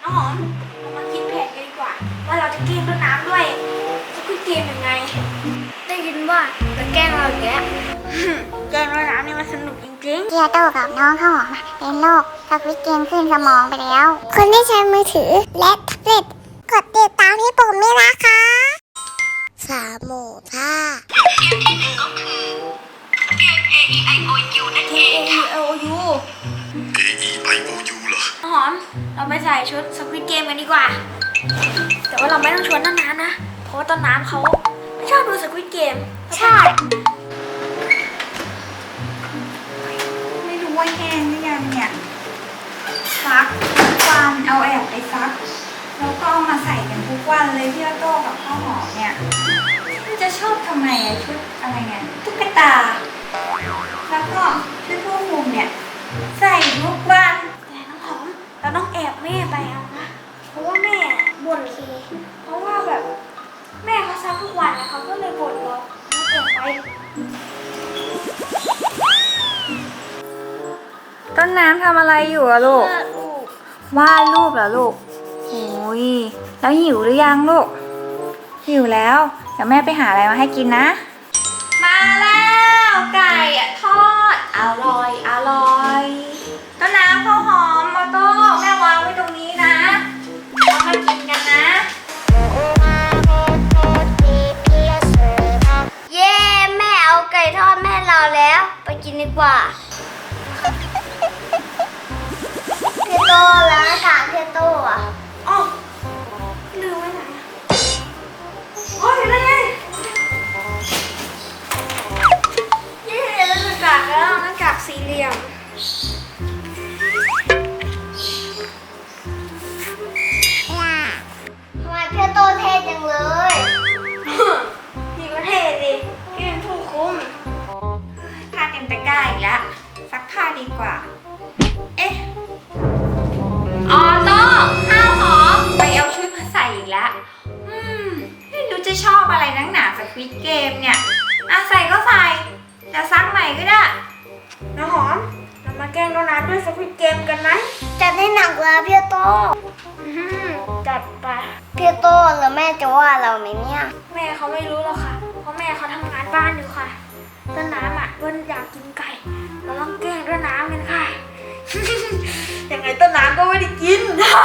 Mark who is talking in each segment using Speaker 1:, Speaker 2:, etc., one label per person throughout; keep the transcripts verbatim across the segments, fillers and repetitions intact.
Speaker 1: น้องหอมเรามาคิดแผนกันดีกว่าว่าเราจะแกล้งต้นน้ำด้วยจะคุยเกมยังไงได้ยินว่าจะแกล้งเราอย่างเงี้ยแกล้งต้นน้ำนี่มันสนุกจริงๆ
Speaker 2: เกียโตกับน้องข้าวหอมเป็นโรคสควิดเกมขึ้นสมองไปแล้ว คนที่ใช้มือถือและแท็บเล็ตกดติดตามที่ปุ่มนี้นะคะสามหมูท่า
Speaker 3: เกมที่หนึ่งก็คือเกม เอ อี ไอ โอ ยู นั่นเองค่ะ
Speaker 1: เอ โอ ยู
Speaker 4: เอ อี ไอ โอ ยู เหรอ
Speaker 1: น้องหอมเราไปใส่ชุดสควิดเกมกันดีกว่าแต่ว่าเราไม่ต้องชวนต้นน้ำนะเพราะว่าต้นน้ำเขาไม่ชอบดูสควิดเกมใช่
Speaker 5: ไม่รู้ว่าแห้งหรือยังเนี่ยซักทุกวันเอาแอบไปซักแล้วก็เอามาใส่กันทุกวันเลยพี่โต้กับข้าวหอมเนี่ยมันจะชอบทำไมอะชุดอะไรเนี่ยตุ๊กตาแล้วก็ชุดผู้คุมเนี่ยใส่ทุกวัน
Speaker 1: แต่น้องหอมเราต้องแอบแม่ไปเอานะเพราะว่าแม่บ่นทีเพราะว่าแบบแม่เขาซักทุกวันนะเขาก็เลยบ่นเราต้องแอบไป
Speaker 5: ต้นน้ำทำอะไรอยู่อะลูก
Speaker 1: เพื่อลูก
Speaker 5: วาดรูปเหรอลูกโอ้ยแล้วหิวหรือยังลูกหิวแล้วเดี๋ยวแม่ไปหาอะไรมาให้กินนะมาแล้วไก่อะทอดอร่อยอร่อยต้นน้ำข้าวหอมมาโต้แม่วางไว้ตรงนี้นะเรามากินกันนะ
Speaker 2: เย้แม่เอาไก่ทอดแม่เราแล้วไปกินดีกว่าพี่โตแล้วถามพี่โตอ่ะ
Speaker 1: อ๋อลืมไว้ไหนอะโอ้ยอยู่ได้ไงเย้แล้วหน้ากากแล้วหน้ากากสี่เหลี่ยม
Speaker 2: ทำไมพี่โตเท่จังเลย
Speaker 1: พี่ก็เท่ดิพี่เป็นผู้คุม
Speaker 5: ผ้าเต็มตะกร้าอีกแล้วซักผ้าดีกว่าเอ๊ะออโต้ข้าวหอมไปเอาชุดมาใส่อีกแล้วอืมไม่รู้จะชอบอะไรนักหนาสควิดเกมเนี่ยอ่ะใส่ก็ใส่จะซักใหม่ก็ได้
Speaker 1: น้ำหอม เรามาแกล้งโดนัทด้วยสควิดเกมกันไหม
Speaker 2: จัดให้หนักเลยพี่โต
Speaker 1: อื้อหือจัดไป
Speaker 2: พี่โตแล้วแม่จะว่าเราไหมเนี่ย
Speaker 1: แม่เขาไม่รู้หรอกค่ะ เพราะแม่เขาทำงานบ้านอยู่ค่ะต้นน้ำอ่ะต้นอยากกินไก่ เราต้องแกล้งต้นน้ำกันค่ะ ยังไงต้นน้ำก็ไม่ได้กิน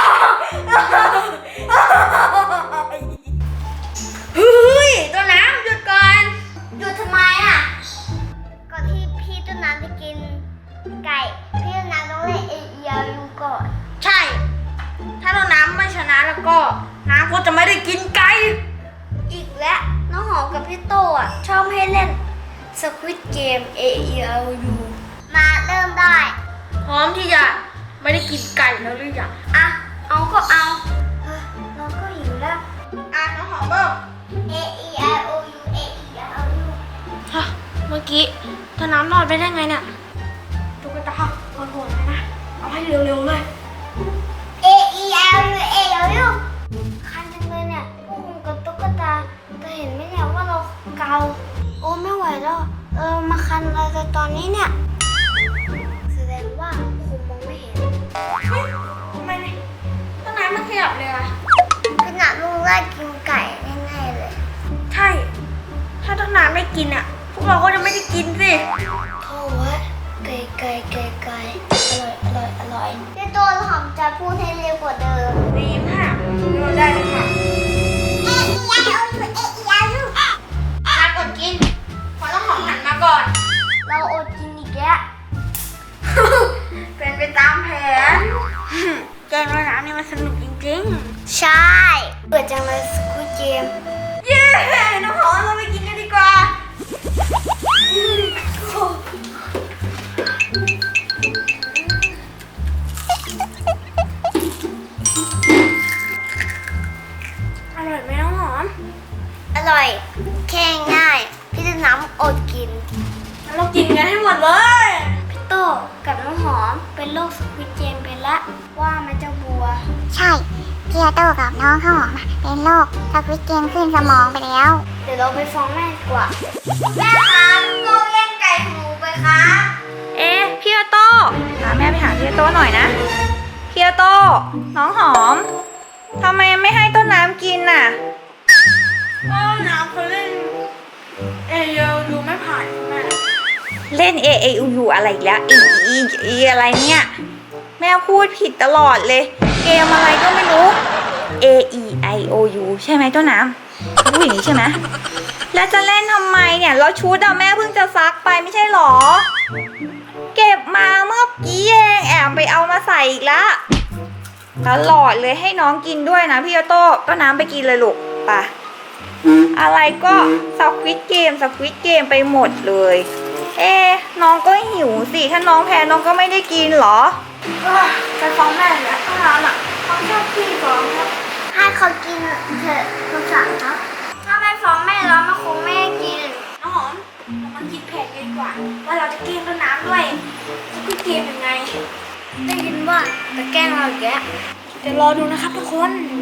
Speaker 1: เฮ้ยต้นน้ำหยุดก่อน
Speaker 2: หยุดทำไมอ่ะก่อนที่พี่ต้นน้ำจะกินไก่พี่ต้นน้ำต้องเล่นเอเอียยูก่อน
Speaker 1: ใช่ ถ้าต้นน้ำไม่ชนะแล้วก็น้ำก็จะไม่ได้กินไก่
Speaker 2: อีกแล้วน้องหอมกับพี่โตอ่ะชอบให้เล่นสควิดเกม เอ อี แอล ยู มาเริ่มได้
Speaker 1: พร้อมที่จะไม่ได้กินไก่แล้วหรือยัง
Speaker 2: อ่ะเอาก็เอาเฮ้ยเราก็หิวแล้ว
Speaker 1: อ่ะน้องหอมเริ่ม
Speaker 2: A E I O U A E I O U
Speaker 1: ฮะเมื่อกี้ต้นน้ำรอดไปได้ไงเนี่ยตุ๊กตาโหดๆเลยนะ เอาให้เร็วๆเลย
Speaker 2: A E I O U A E I O U คันจังเลยเนี่ยพวกคุณกับตุ๊กตาจะเห็นไหมเนี่ยว่าเราเกาโอ้ไม่ไหวแล้วเออมาคันอะไรกันตอนนี้เนี่ยแสดงว่าคงมองไม่เห็น
Speaker 1: ทำไมเนี่ยต้นน้ำมันขยับเลยอะ
Speaker 2: ขนาดลุงไล่กินไก่แน่ๆเลย
Speaker 1: ใช่ ถ้าต้นน้ำไม่กินอะพวกเราก็จะไม่ได้กินสิ
Speaker 2: โถ่เว้ยไก่ไก่ไก่ไก่อร่อยอร่อยอร่อยพี่ตัวหอมจะพูดให้เร็วกว่าเดิม
Speaker 1: ดีมากเราได้เลยค่ะ
Speaker 2: A E I O U A E I O U
Speaker 1: มากดกินพอต้องหอมหันมาก่อน
Speaker 2: เราอดกินอีกแล้ว
Speaker 1: เป็นไปตามแผน แกงต้นน้ำนี่มันสนุกจริง
Speaker 2: ใช่เปิดจังเลยสกูเกม
Speaker 1: ๆ เย้ น้องหอมเราไปกินกันดีกว่า อร่อยไหมน้องหอม
Speaker 2: อร่อย แค่ง่าย พี่จะน้ำอดกิน
Speaker 1: งั้นเรากินกันให้หมดเลย
Speaker 2: พี่โตกับน้องหอมเป็นโรคสควิดเกมไปละว่ามันจะบัว
Speaker 6: ใช่เกียโตกับน้องข้าวหอมเป็นโรคสควิดเกมขึ้นสมองไปแล้ว
Speaker 2: เดี๋ยวเราไปฟ้องแม่ดีกว่า แม่คะพี่โตแย่งไก่ของหนูไปคะ
Speaker 5: เอ๊ะพี่โต้พาแม่ไปหาพี่โต้หน่อยนะ
Speaker 2: ไ
Speaker 5: เคียโตน้องหอมทำไมไม่ให้ต้นน้ำกินน่ะ
Speaker 1: ก็น้ำเขาเล่นเอเยลดูไม่ผ่านแม่
Speaker 5: เล่น A A U U อะไรอีกแล้ว E E E อะไรเนี่ย แม่พูดผิดตลอดเลย เกมอะไรก็ไม่รู้ A E I O U ใช่ไหมต้นน้ำพูดอย่างนี้ใช่ไหมแล้วจะเล่นทำไมเนี่ยแล้วชุดอะแม่เพิ่งจะซักไปไม่ใช่หรอ เก็บมาเมื่อกี้เองแอบไปเอามาใส่อีกแล้วตลอดเลยให้น้องกินด้วยนะพี่โต้ต้นน้ำไปกินเลยลูกไปอะไรก็สควิตเกมสควิตเกมไปหมดเลย เอ๊ะน้องก็หิวสิถ้าน้องแพ้น้องก็ไม่ได้กินเหรอ
Speaker 1: ไปฟ้องแม่แล้วต้องร้านอ่ะเขาชอบพี่ฟ้องครับ
Speaker 2: ให้เขากินเถอะสงสารครับ ถ้าไม่ฟ้องแม่แล้วมันคงไม่ให้กิน
Speaker 1: น้องหอมเรามาคิดแผนกันดีกว่า ว่าเราจะเกมต้นน้ำด้วยสกุดเกมยังไง
Speaker 2: ได้ยินว่าจะแกล้งเราอีกแล้ว
Speaker 1: เดี๋ยวรอดูนะครับทุกคน